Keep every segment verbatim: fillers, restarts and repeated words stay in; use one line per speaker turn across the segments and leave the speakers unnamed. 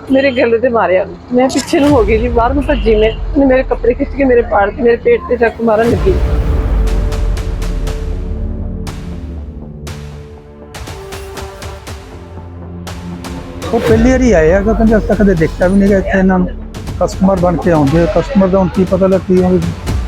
मेरे गले से मारे। मैं पीछे हो गई जी, बाहर में भजी मैं, मेरे कपड़े खिंच के मेरे पाड़ के मेरे पेट से चाकू मारन लगी।
वो पहली बार आए हैं, कहते अस कदे देखा भी नहीं गया इतने इन्होंने कस्टमर बन के आते कस्टमर का हम की पता लग की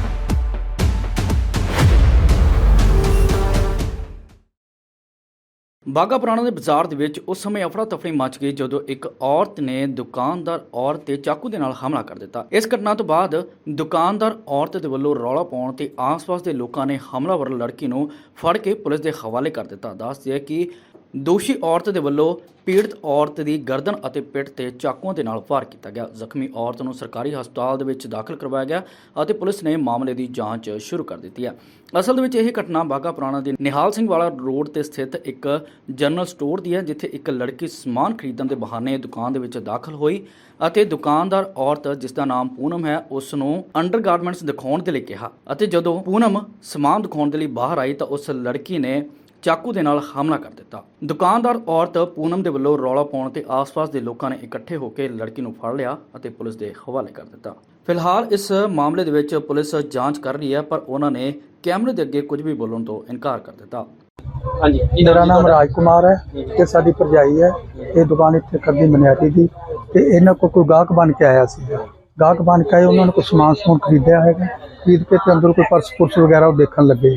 ਬਾਘਾ ਪੁਰਾਣਾ ਦੇ ਬਾਜ਼ਾਰ ਦੇ ਵਿੱਚ ਉਸ ਸਮੇਂ ਅਫੜਾ ਤਫੜੀ ਮਚ ਗਈ ਜਦੋਂ ਇੱਕ ਔਰਤ ਨੇ ਦੁਕਾਨਦਾਰ ਔਰਤ ਤੇ ਚਾਕੂ ਦੇ ਨਾਲ ਹਮਲਾ ਕਰ ਦਿੱਤਾ। ਇਸ ਘਟਨਾ ਤੋਂ ਬਾਅਦ ਦੁਕਾਨਦਾਰ ਔਰਤ ਦੇ ਵੱਲੋਂ ਰੌਲਾ ਪਾਉਣ ਤੇ ਆਸ-ਪਾਸ ਦੇ ਲੋਕਾਂ ਨੇ ਹਮਲਾਵਰ ਲੜਕੀ ਨੂੰ ਫੜ ਕੇ ਪੁਲਿਸ ਦੇ ਹਵਾਲੇ ਕਰ ਦਿੱਤਾ। ਦੱਸਦੇ ਕਿ ਦੋਸ਼ੀ ਔਰਤ ਦੇ ਵੱਲੋਂ ਪੀੜਤ ਔਰਤ ਦੀ ਗਰਦਨ ਅਤੇ ਪਿੱਠ ਤੇ ਚਾਕੂਆਂ ਦੇ ਨਾਲ ਵਾਰ ਕੀਤਾ ਗਿਆ। ਜ਼ਖਮੀ ਔਰਤ ਨੂੰ ਸਰਕਾਰੀ ਹਸਪਤਾਲ ਦੇ ਵਿੱਚ ਦਾਖਲ ਕਰਵਾਇਆ ਗਿਆ ਅਤੇ ਪੁਲਿਸ ਨੇ ਮਾਮਲੇ ਦੀ ਜਾਂਚ ਸ਼ੁਰੂ ਕਰ ਦਿੱਤੀ ਹੈ। ਅਸਲ ਦੇ ਵਿੱਚ ਇਹ ਘਟਨਾ ਬਾਘਾ ਪੁਰਾਣਾ ਦੇ ਨਿਹਾਲ ਸਿੰਘ ਵਾਲਾ ਰੋਡ ਤੇ ਸਥਿਤ ਇੱਕ ਜਨਰਲ ਸਟੋਰ ਦੀ ਹੈ, ਜਿੱਥੇ ਇੱਕ ਲੜਕੀ ਸਮਾਨ ਖਰੀਦਣ ਦੇ ਬਹਾਨੇ ਦੁਕਾਨ ਦੇ ਵਿੱਚ ਦਾਖਲ ਹੋਈ ਅਤੇ ਦੁਕਾਨਦਾਰ ਔਰਤ ਜਿਸ ਦਾ ਨਾਮ ਪੂਨਮ ਹੈ ਉਸ ਨੂੰ ਅੰਡਰਗਾਰਮੈਂਟਸ ਦਿਖਾਉਣ ਦੇ ਲਈ ਕਿਹਾ ਅਤੇ ਜਦੋਂ ਪੂਨਮ ਸਮਾਨ ਦਿਖਾਉਣ ਦੇ ਲਈ ਬਾਹਰ ਆਈ ਤਾਂ ਉਸ ਲੜਕੀ ਨੇ ਚਾਕੂ ਦੇ ਨਾਲ ਹਮਲਾ ਕਰ ਦਿੱਤਾ। ਦੁਕਾਨਦਾਰ ਔਰਤ ਪੂਨਮ ਦੇ ਵੱਲੋਂ ਰੌਲਾ ਪਾਉਣ ਤੇ ਆਸ-ਪਾਸ ਦੇ ਲੋਕਾਂ ਨੇ ਇਕੱਠੇ ਹੋ ਕੇ ਲੜਕੀ ਨੂੰ ਫੜ ਲਿਆ ਅਤੇ ਪੁਲਿਸ ਦੇ ਹਵਾਲੇ ਕਰ ਦਿੱਤਾ। ਫਿਲਹਾਲ ਇਸ ਮਾਮਲੇ ਦੇ ਵਿੱਚ ਪੁਲਿਸ ਜਾਂਚ ਕਰ ਰਹੀ ਹੈ, ਪਰ ਉਹਨਾਂ ਨੇ ਕੈਮਰੇ ਦੇ ਅੱਗੇ ਕੁਝ ਵੀ ਬੋਲਣ ਤੋਂ ਇਨਕਾਰ ਕਰ ਦਿੱਤਾ।
ਹਾਂਜੀ, ਮੇਰਾ ਨਾਮ ਰਾਜ ਕੁਮਾਰ ਹੈ ਤੇ ਸਾਡੀ ਭਰਜਾਈ ਹੈ। ਇਹ ਦੁਕਾਨ ਇੱਥੇ ਕਰਦੀ ਮਨਿਆਰੀ ਦੀ ਤੇ ਇਹਨਾਂ ਕੋਲ ਕੋਈ ਗਾਹਕ ਬਣ ਕੇ ਆਇਆ ਸੀ। ਗਾਹਕ ਬਣ ਕੇ ਆਏ, ਉਹਨਾਂ ਨੇ ਕੋਈ ਸਮਾਨ ਸਮੂਨ ਖਰੀਦਿਆ ਹੈਗਾ। ਖਰੀਦ ਕੇ ਤੇ ਅੰਦਰ ਕੋਈ ਪਰਸ ਪੁਰਸ ਵਗੈਰਾ ਉਹ ਦੇਖਣ ਲੱਗੇ।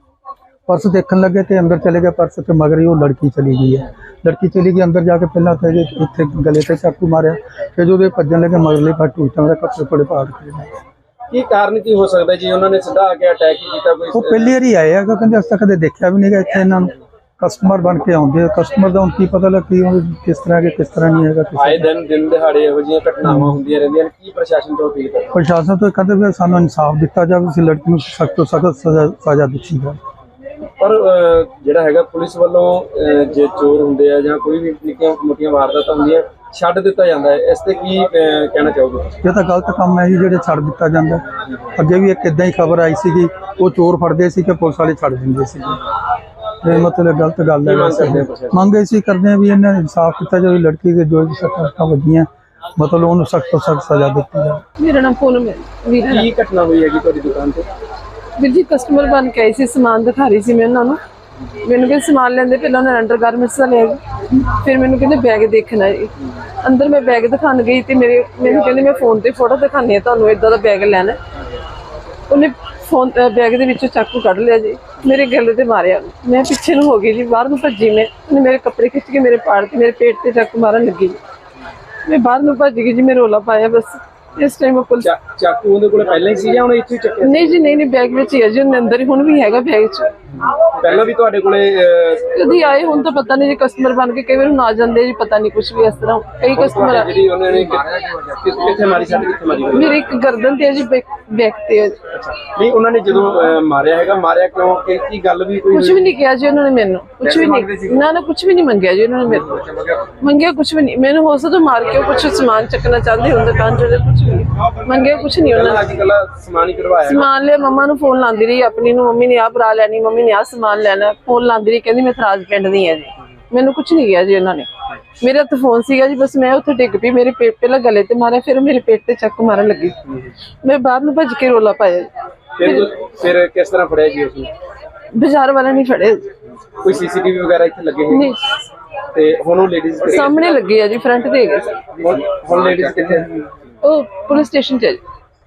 पर्स देखने लगे तो अंदर चले गए। पर्स के मगर ही वो लड़की चली गई है। लड़की चली गई अंदर जाके पहला तो इतने गले से चाकू मारे, फिर जो भजन लगे मगरले पास टूटा मेरे कपड़े बड़े पाड़ के।
ਕੀ ਕਾਰਨ ਕੀ ਹੋ ਸਕਦਾ ਜੀ ਉਹਨਾਂ ਨੇ ਸਿੱਧਾ ਆ ਕੇ ਅਟੈਕ ਕੀਤਾ? ਕੋਈ
वो पहली बार आए हैं, कहते अस कदे देखा भी नहीं गया इतने इन्होंने कस्टमर बन के आते कस्टमर का हम की पता लग की किस तरह के किस तरह नहीं है।
ਆਏ ਦਿਨ ਦਿਨ ਦਿਹਾੜੇ ਇਹੋ ਜਿਹੀਆਂ ਘਟਨਾਵਾਂ ਹੁੰਦੀਆਂ ਰਹਿੰਦੀਆਂ ਨੇ, ਕੀ ਪ੍ਰਸ਼ਾਸਨ ਤੋਂ ਅਪੀਲ ਕਰਦੇ?
प्रशासन तो कहते भी सानू इंसाफ दिता जाए, इस लड़की को सख्त तो सख्त सजा सजा दिखी जाए।
ਪਰ ਜਿਹੜਾ ਹੈਗਾ ਪੁਲਿਸ ਵੱਲੋਂ ਜੇ ਚੋਰ ਹੁੰਦੇ ਆ ਜਾਂ ਕੋਈ ਵੀ ਨਿੱਕੀਆਂ ਮੋਟੀਆਂ ਵਾਰਦਾਤਾਂ ਹੁੰਦੀਆਂ ਛੱਡ ਦਿੱਤਾ ਜਾਂਦਾ ਹੈ, ਇਸ ਤੇ ਕੀ ਕਹਿਣਾ ਚਾਹੋਗੇ?
ਇਹ ਤਾਂ ਗਲਤ ਕੰਮ ਹੈ ਜੀ, ਜਿਹੜੇ ਛੱਡ ਦਿੱਤਾ ਜਾਂਦਾ। ਅੱਗੇ ਵੀ ਇੱਕ ਇਦਾਂ ਹੀ ਖਬਰ ਆਈ ਸੀਗੀ, ਉਹ ਚੋਰ ਫੜਦੇ ਸੀ ਕਿ ਪੁਲਿਸ ਵਾਲੇ ਛੱਡ ਦਿੰਦੇ ਸੀ। ਇਹ ਮਤਲਬ ਗਲਤ ਗੱਲ ਹੈ। ਮੰਗ ਅਸੀਂ ਕਰਦੇ ਹਾਂ ਵੀ ਇਹਨਾਂ ਨੇ ਇਨਸਾਫ ਕੀਤਾ ਜਾਵੇ, ਲੜਕੀ ਦੇ ਜੋ ਸੱਟਾਂ ਸੱਟਾਂ ਵੱਜੀਆਂ ਮਤਲਬ ਉਹਨੂੰ ਸਖਤ ਤੋਂ ਸਖਤ ਸਜ਼ਾ ਦਿੱਤੀ ਜਾਵੇ।
ਮੇਰਾ ਨਾਮ ਪੂਨਮ ਹੈ।
ਕੀ ਘਟਨਾ ਹੋਈ ਹੈਗੀ ਤੁਹਾਡੀ ਦੁਕਾਨ ਤੇ?
ਵੀਰ ਜੀ ਕਸਟਮਰ ਬਣ ਕੇ ਆਈ ਸੀ, ਸਮਾਨ ਦਿਖਾ ਰਹੀ ਸੀ ਮੈਂ ਉਹਨਾਂ ਨੂੰ। ਮੈਨੂੰ ਕਹਿੰਦੇ ਸਮਾਨ ਲੈਂਦੇ, ਪਹਿਲਾਂ ਉਹਨਾਂ ਨੇ ਅੰਡਰ ਗਾਰਮੈਂਟਸ ਦਾ ਲਿਆ, ਫਿਰ ਮੈਨੂੰ ਕਹਿੰਦੇ ਬੈਗ ਦੇਖਣਾ ਜੀ। ਅੰਦਰ ਮੈਂ ਬੈਗ ਦਿਖਾਣ ਗਈ ਤੇ ਮੇਰੇ ਮੈਨੂੰ ਕਹਿੰਦੇ ਮੈਂ ਫੋਨ ਤੇ ਫੋਟੋ ਦਿਖਾਣੀ ਹੈ ਤੁਹਾਨੂੰ, ਇਦਾਂ ਦਾ ਬੈਗ ਲੈਣਾ। ਉਹਨੇ ਫੋਨ ਬੈਗ ਦੇ ਵਿੱਚੋਂ ਚਾਕੂ ਕੱਢ ਲਿਆ ਜੀ, ਮੇਰੇ ਗਲੇ ਤੇ ਮਾਰਿਆ। ਮੈਂ ਪਿੱਛੇ ਨੂੰ ਹੋ ਗਈ ਜੀ, ਬਾਹਰ ਨੂੰ ਭੱਜੀ ਮੈਂ, ਉਹਨੇ ਮੇਰੇ ਕੱਪੜੇ ਖਿੱਚ ਕੇ ਮੇਰੇ ਪਾੜ ਕੇ ਮੇਰੇ ਪੇਟ ਤੇ ਚਾਕੂ ਮਾਰਨ ਲੱਗੀ ਜੀ। ਮੈਂ ਬਾਹਰ ਨੂੰ ਭੱਜ ਗਈ ਜੀ, ਮੈਂ ਰੌਲਾ ਪਾਇਆ ਬਸ। ਇਸ ਟਾਈਮ ਪੁਲਿਸ
ਚਾਕੂ ਉਹਦੇ ਕੋਲ ਪਹਿਲਾਂ ਹੀ ਸੀ ਜਾਂ ਉਹਨੇ ਇੱਥੇ ਚੱਕਿਆ?
ਨਹੀਂ ਜੀ, ਨਹੀਂ ਨਹੀਂ ਬੈਗ ਵਿੱਚ ਹੀ ਹੈ ਜੀ, ਉਹਦੇ ਅੰਦਰ ਹੀ ਹੁਣ ਵੀ ਹੈਗਾ ਬੈਗ 'ਚ।
ਪਹਿਲਾਂ ਵੀ ਤੁਹਾਡੇ ਕੋਲੇ
ਕਦੀ ਆਏ ਹੁਣ ਤਾਂ ਪਤਾ ਨਹੀਂ ਜੀ, ਕਸਟਮਰ ਬਣ ਕੇ ਕਈ ਵਾਰ ਹੁਣ ਆ ਜਾਂਦੇ ਜੀ, ਪਤਾ ਨਹੀਂ ਕੁਝ ਵੀ ਇਸ ਤਰ੍ਹਾਂ। ਕਈ ਕਸਟਮਰ
ਜਿਹੜੀ ਉਹਨਾਂ ਨੇ ਕਿੱਥੇ ਮਾਰੀ ਸੱਟ ਕਿੱਥੇ ਮਾਰੀ?
ਮੇਰੇ ਇੱਕ ਗਰਦਨ ਤੇ ਹੈ ਜੀ, ਬੈਕ ਤੇ ਹੈ।
ਨਹੀਂ ਉਹਨਾਂ ਨੇ ਜਦੋਂ ਮਾਰਿਆ ਹੈਗਾ, ਮਾਰਿਆ ਕਿਉਂ? ਕੀ ਕੀ ਗੱਲ ਵੀ ਕੋਈ?
ਕੁਝ ਵੀ ਨਹੀਂ ਕਿਹਾ ਜੀ ਉਹਨਾਂ ਨੇ ਮੈਨੂੰ, ਕੁਝ ਵੀ ਨਹੀਂ, ਨਾ ਨਾ ਕੁਝ ਵੀ ਨਹੀਂ ਮੰਗਿਆ ਜੀ ਉਹਨਾਂ ਨੇ ਮੇਰੇ ਤੋਂ। ਮੰਗਿਆ ਕੁਝ ਵੀ ਨਹੀਂ, ਮੈਨੂੰ ਹੋ ਸਕਦਾ ਮਾਰ ਕੇ ਕੁਝ ਸਮਾਨ ਚੱਕਣਾ ਚਾਹੁੰਦੇ ਹੁੰਦੇ ਦੁਕਾਨ ਚੋਂ, ਕੁਝ ਵੀ ਮੰਗਿਆ ਕੁਝ ਨਹੀਂ ਉਹਨਾਂ ਨੇ।
ਅੱਜ ਕੱਲ ਸਮਾਨ ਹੀ ਕਰਵਾਇਆ,
ਸਮਾਨ ਲਿਆ। ਮੰਮਾ ਨੂੰ ਫੋਨ ਲਾਉਂਦੀ ਰਹੀ ਆਪਣੀ ਨੂੰ, ਮੰਮੀ ਨੇ ਆਹ ਬਰਾ ਲੈਣੀ, ਮੰਮੀ ਨੇ ਆਹ ਸਮਾਨ ਲੈਣਾ, ਫੋਨ ਲਾਉਂਦੀ ਰਹੀ, ਕਹਿੰਦੀ ਮੈਂ ਥਰਾਜ ਪਿੰਡ ਦੀ ਹਾਂ ਜੀ। ਮੈਨੂੰ ਕੁਝ ਨਹੀਂ ਕਿਹਾ ਜੀ ਉਹਨਾਂ ਨੇ। ਮੇਰੇ ਹੱਥ ਫੋਨ ਸੀਗਾ ਜੀ, ਬਸ ਮੈਂ ਉੱਥੇ ਡਿੱਗ ਪਈ, ਮੇਰੇ ਪੇਟ ਪਹਿਲਾਂ ਗਲੇ ਤੇ ਮਾਰਿਆ, ਫਿਰ ਮੇਰੇ ਪੇਟ ਤੇ ਚੱਕ ਮਾਰਨ ਲੱਗੀ। ਮੈਂ ਬਾਹਰ ਨੂੰ ਭੱਜ ਕੇ ਰੋਲਾ ਪਾਇਆ ਜੀ।
ਫਿਰ ਫਿਰ ਕਿਸ ਤਰ੍ਹਾਂ ਫੜਿਆ ਜੀ ਉਸਨੂੰ?
ਬਾਜ਼ਾਰ ਵਾਲਾ ਨਹੀਂ ਫੜਿਆ।
ਕੋਈ ਸੀਸੀਟੀਵੀ ਵਗੈਰਾ ਇੱਥੇ ਲੱਗੇ ਹੋਏ
ਨਹੀਂ,
ਤੇ ਹੁਣ ਉਹ ਲੇਡੀਜ਼
ਸਾਹਮਣੇ ਲੱਗੇ ਆ ਜੀ, ਫਰੰਟ ਤੇ ਹੈਗੇ।
ਹੁਣ ਹੁਣ ਲੇਡੀਜ਼ ਕਿੱਥੇ?
ਉਹ ਪੁਲਿਸ ਸਟੇਸ਼ਨ 'ਚ ਹੈ ਜੀ।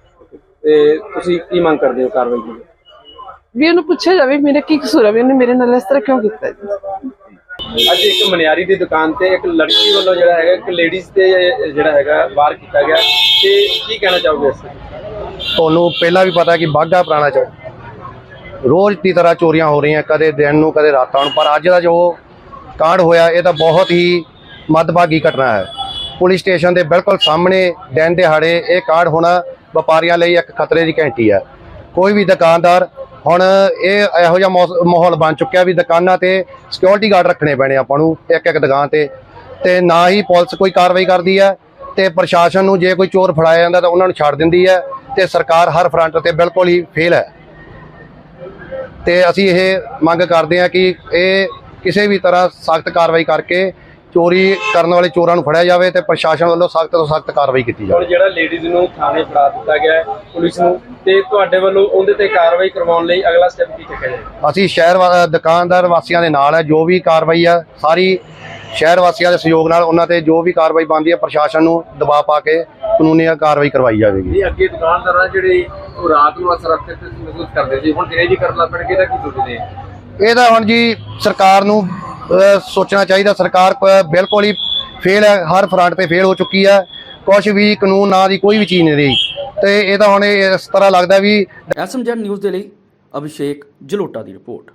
ਤੇ ਤੁਸੀਂ ਕੀ ਮੰਗ ਕਰਦੇ ਹੋ ਕਾਰਵਾਈ ਦੀ?
ਵੀ ਉਹਨੂੰ ਪੁੱਛਿਆ ਜਾਵੇ ਮੇਰਾ ਕੀ ਕਸੂਰ ਹੈ, ਵੀ ਉਹਨੇ ਮੇਰੇ ਨਾਲ ਇਸ ਤਰ੍ਹਾਂ ਕਿਉਂ ਕੀਤਾ ਜੀ।
ਅੱਜ ਇੱਕ ਮਨਿਆਰੀ ਦੀ ਦੁਕਾਨ ਤੇ ਇੱਕ ਲੜਕੀ ਵੱਲੋਂ ਜਿਹੜਾ ਹੈਗਾ ਇੱਕ ਲੇਡੀਜ਼ ਤੇ ਜਿਹੜਾ ਹੈਗਾ ਵਾਰ ਕੀਤਾ ਗਿਆ, ਤੇ ਕੀ ਕਹਿਣਾ ਚਾਹੋਗੇ ਇਸ ਤੇ?
ਤੁਹਾਨੂੰ ਪਹਿਲਾਂ ਵੀ ਪਤਾ ਕਿ ਬਾਘਾ ਪੁਰਾਣਾ ਚ ਰੋਜ਼ ਦੀ ਤਰ੍ਹਾਂ ਚੋਰੀਆਂ ਹੋ ਰਹੀਆਂ, ਕਦੇ ਦਿਨ ਨੂੰ ਕਦੇ ਰਾਤਾਂ ਨੂੰ, ਪਰ ਅੱਜ ਦਾ ਜੋ ਕਾਂਡ ਹੋਇਆ ਇਹ ਤਾਂ ਬਹੁਤ ਹੀ ਮੰਦਭਾਗੀ ਘਟਨਾ ਹੈ। ਪੁਲਿਸ ਸਟੇਸ਼ਨ ਦੇ ਬਿਲਕੁਲ ਸਾਹਮਣੇ ਦਿਨ ਦਿਹਾੜੇ ਇਹ ਕਾਂਡ ਹੋਣਾ ਵਪਾਰੀਆਂ ਲਈ ਇੱਕ ਖਤਰੇ ਦੀ ਘੰਟੀ ਹੈ। ਕੋਈ ਵੀ ਦੁਕਾਨਦਾਰ ਹੁਣ ਇਹ ਇਹੋ ਜਿਹਾ ਮਾਹੌਲ ਬਣ ਚੁੱਕਿਆ ਵੀ ਦੁਕਾਨਾਂ ਤੇ ਸਿਕਿਉਰਿਟੀ ਗਾਰਡ ਰੱਖਣੇ ਪੈਣੇ ਆਪਾਂ ਨੂੰ ਇੱਕ ਇੱਕ ਦੁਕਾਨ ਤੇ ਤੇ ਨਾ ਹੀ ਪੁਲਿਸ ਕੋਈ ਕਾਰਵਾਈ ਕਰਦੀ ਹੈ ਤੇ ਪ੍ਰਸ਼ਾਸਨ ਨੂੰ ਜੇ ਕੋਈ ਚੋਰ ਫੜਾਇਆ ਜਾਂਦਾ ਤਾਂ ਉਹਨਾਂ ਨੂੰ ਛੱਡ ਦਿੰਦੀ ਹੈ ਤੇ ਸਰਕਾਰ ਹਰ ਫਰੰਟ ਤੇ ਬਿਲਕੁਲ ਹੀ ਫੇਲ ਹੈ। ਤੇ ਅਸੀਂ ਇਹ ਮੰਗ ਕਰਦੇ ਹਾਂ ਕਿ ਇਹ ਕਿਸੇ ਵੀ ਤਰ੍ਹਾਂ ਸਖਤ ਕਾਰਵਾਈ ਕਰਕੇ ਚੋਰੀ ਕਰਨ ਵਾਲੇ ਚੋਰਾਂ ਨੂੰ ਫੜਿਆ ਜਾਵੇ ਤੇ ਪ੍ਰਸ਼ਾਸਨ ਵੱਲੋਂ ਸਖਤ ਤੋਂ ਸਖਤ ਕਾਰਵਾਈ ਕੀਤੀ
ਹੁਣ
ਜਾਵੇ।
ਜਿਹੜਾ ਲੇਡੀਜ਼ ਨੂੰ ਥਾਣੇ ਫੜਾ ਦਿੱਤਾ ਗਿਆ ਹੈ ਪੁਲਿਸ ਨੂੰ, ਤੇ ਤੁਹਾਡੇ ਵੱਲੋਂ ਉਹਦੇ ਤੇ ਕਾਰਵਾਈ ਕਰਵਾਉਣ ਲਈ ਅਗਲਾ ਸਟੈਪ ਕੀ ਚੱਕਿਆ ਜਾਏਗਾ?
ਅਸੀਂ ਸ਼ਹਿਰ ਵਾ- ਦੁਕਾਨਦਾਰ ਵਾਸੀਆਂ ਦੇ ਨਾਲ ਹੈ। ਜੋ ਵੀ ਕਾਰਵਾਈ ਆ ਸਾਰੀ ਸ਼ਹਿਰ ਵਾਸੀਆਂ ਦੇ ਸਹਿਯੋਗ ਨਾਲ ਉਹਨਾਂ ਤੇ ਜੋ ਵੀ ਕਾਰਵਾਈ ਬਣਦੀ ਹੈ ਪ੍ਰਸ਼ਾਸਨ ਨੂੰ ਦਬਾਅ ਪਾ ਕੇ ਕਾਨੂੰਨੀ ਕਾਰਵਾਈ ਕਰਵਾਈ ਜਾਵੇਗੀ।
ਇਹ ਅੱਗੇ ਦੁਕਾਨਦਾਰਾਂ ਜਿਹੜੇ ਉਹ ਰਾਤ ਨੂੰ ਅਸੁਰੱਖਿਅਤ ਮਹਿਸੂਸ ਕਰਦੇ ਸੀ, ਹੁਣ ਦਿਨੇ ਵੀ ਕਰਨ ਲੱਗ ਪੈਣਗੇ ਤਾਂ ਕੀ ਸੋਚਦੇ ਆ?
ਇਹਦਾ ਹੁਣ ਜੀ ਸਰਕਾਰ ਨੂੰ ਅਹ, ਸੋਚਣਾ ਚਾਹੀਦਾ। ਸਰਕਾਰ ਪ- ਬਿਲਕੁਲ ਹੀ ਫੇਲ ਹੈ, ਹਰ ਫਰੰਟ ਤੇ ਫੇਲ ਹੋ ਚੁੱਕੀ ਹੈ। ਕੁਛ ਵੀ ਕਾਨੂੰਨ ਨਾਂ ਦੀ ਕੋਈ ਵੀ ਚੀਜ਼ ਨਹੀਂ ਰਹੀ ਤੇ ਇਹ ਤਾਂ ਹੁਣ ਇਸ ਤਰ੍ਹਾਂ ਲੱਗਦਾ ਵੀ
ਐਸਐਮਜੈਡ ਨਿਊਜ਼ ਦੇ ਲਈ ਅਭਿਸ਼ੇਕ ਜਲੋਟਾ ਦੀ ਰਿਪੋਰਟ।